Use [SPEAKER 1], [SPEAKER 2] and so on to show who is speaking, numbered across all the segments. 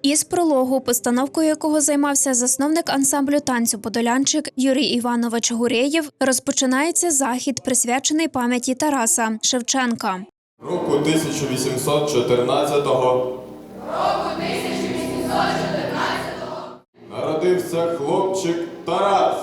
[SPEAKER 1] Із прологу, постановкою якого займався засновник ансамблю танцю «Подолянчик» Юрій Іванович Гуреєв, розпочинається захід, присвячений пам'яті Тараса Шевченка.
[SPEAKER 2] Року 1814-го народився хлопчик Тарас.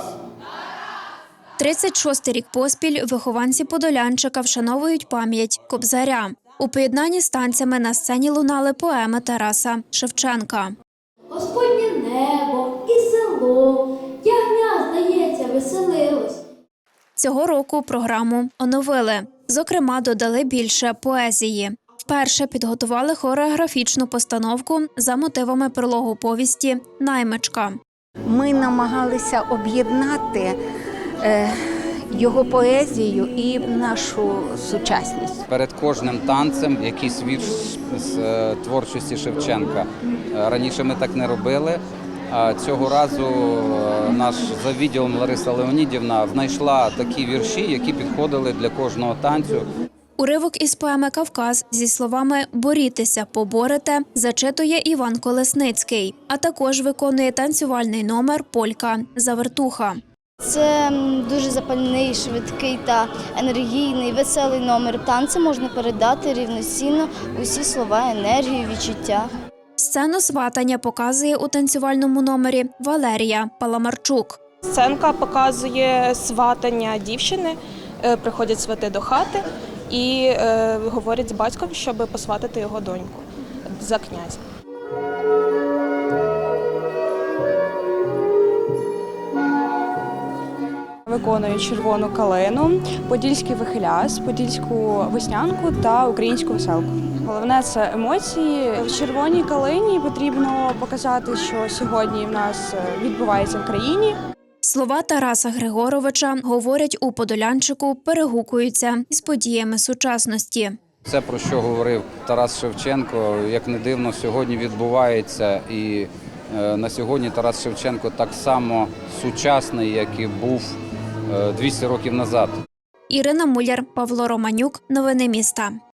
[SPEAKER 1] 36-й рік поспіль вихованці Подолянчика вшановують пам'ять Кобзаря. У поєднанні з танцями на сцені лунали поеми Тараса Шевченка.
[SPEAKER 3] Господнє небо і село, ягня, здається, веселилось.
[SPEAKER 1] Цього року програму оновили. Зокрема, додали більше поезії. Вперше підготували хореографічну постановку за мотивами прологу повісті «Наймичка».
[SPEAKER 4] Ми намагалися об'єднати його поезію і нашу сучасність.
[SPEAKER 5] Перед кожним танцем якийсь вірш з творчості Шевченка. Раніше ми так не робили, а цього разу наш за відділом Лариса Леонідівна знайшла такі вірші, які підходили для кожного танцю.
[SPEAKER 1] Уривок із поеми «Кавказ» зі словами «борітеся, поборете» зачитує Іван Колесницький, а також виконує танцювальний номер «Полька» «Завертуха».
[SPEAKER 6] Це дуже запальний, швидкий та енергійний, веселий номер. Танцем можна передати рівноцінно усі слова, енергію, відчуття.
[SPEAKER 1] Сцену сватання показує у танцювальному номері Валерія Паламарчук.
[SPEAKER 7] Сценка показує сватання дівчини, приходять свати до хати і говорять з батьком, щоб посватати його доньку за князя.
[SPEAKER 8] Виконую червону калину, подільський вихиляс, подільську веснянку та українську веселку. Головне – це емоції. В червоній калині потрібно показати, що сьогодні в нас відбувається в країні.
[SPEAKER 1] Слова Тараса Григоровича, говорять у Подолянчику, перегукуються із подіями сучасності.
[SPEAKER 5] Це, про що говорив Тарас Шевченко, як не дивно, сьогодні відбувається. І на сьогодні Тарас Шевченко так само сучасний, як і був 200 років назад.
[SPEAKER 1] Ірина Муляр, Павло Романюк. Новини міста.